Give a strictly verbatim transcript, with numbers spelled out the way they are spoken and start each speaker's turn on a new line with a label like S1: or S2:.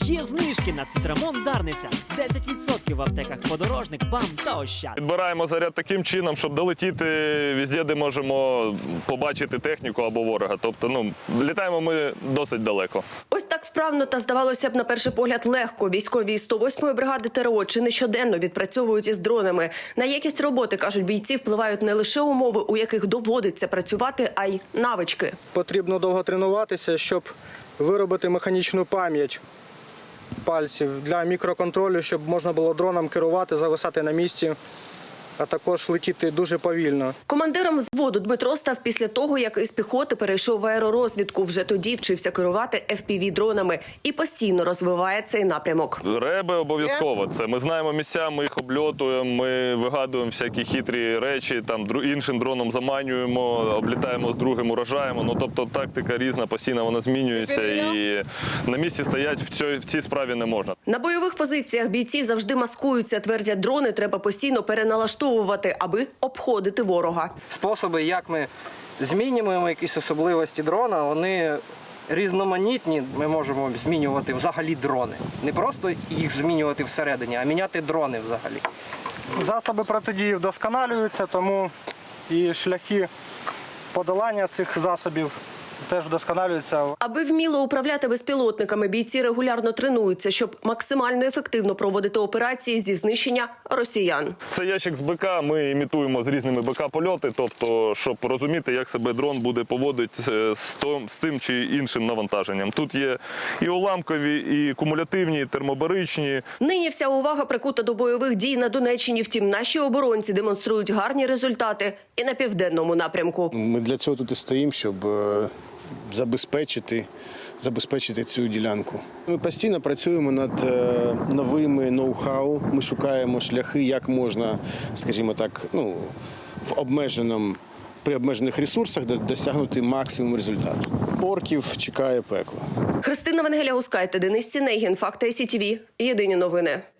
S1: Є знижки на цитрамон Дарниця. десять відсотків в аптеках Подорожник, БАМ та Ощад.
S2: Підбираємо заряд таким чином, щоб долетіти везде, де можемо побачити техніку або ворога. Тобто, ну, літаємо ми досить далеко.
S3: Ось так вправно та, здавалося б, на перший погляд легко. Військові із сто восьмої бригади ТРО чи не щоденно відпрацьовують із дронами. На якість роботи, кажуть бійці, впливають не лише умови, у яких доводиться працювати, а й навички.
S4: Потрібно довго тренуватися, щоб виробити механічну пам'ять пальців для мікроконтролю, щоб можна було дроном керувати, зависати на місці, а також летіти дуже повільно.
S3: Командиром взводу Дмитро став після того, як із піхоти перейшов в аеророзвідку. Вже тоді вчився керувати еф пі ві-дронами і постійно розвиває цей напрямок.
S2: Реби обов'язково. Це ми знаємо місця, ми їх обльотуємо, ми вигадуємо всякі хитрі речі, там іншим дроном заманюємо, облітаємо з другим, уражаємо. Ну, тобто тактика різна, постійно вона змінюється і на місці стоять в цій, в цій справі не можна.
S3: На бойових позиціях бійці завжди маскуються. Твердять, дрони треба постійно переналаштовувати, аби обходити ворога.
S4: Способи, як ми змінюємо якісь особливості дрона, вони різноманітні. Ми можемо змінювати взагалі дрони. Не просто їх змінювати всередині, а міняти дрони взагалі. Засоби протидії вдосконалюються, тому і шляхи подолання цих засобів теж вдосконалюються.
S3: Аби вміло управляти безпілотниками, бійці регулярно тренуються, щоб максимально ефективно проводити операції зі знищення росіян.
S2: Це ящик з БК, ми імітуємо з різними БК-польоти, тобто, щоб розуміти, як себе дрон буде поводити з тим чи іншим навантаженням. Тут є і уламкові, і кумулятивні, і термобаричні.
S3: Нині вся увага прикута до бойових дій на Донеччині. Втім, наші оборонці демонструють гарні результати і на південному напрямку.
S5: Ми для цього тут і стоїмо, щоб забезпечити, забезпечити цю ділянку. Ми постійно працюємо над новими ноу-хау. Ми шукаємо шляхи, як можна, скажімо так, ну, в обмеженому, при обмежених ресурсах досягнути максимум результату. Орків чекає пекло.
S3: Христина Венгеля-Гускайте, Денис Сінегін, Факти ай сі ті ві. Єдині новини.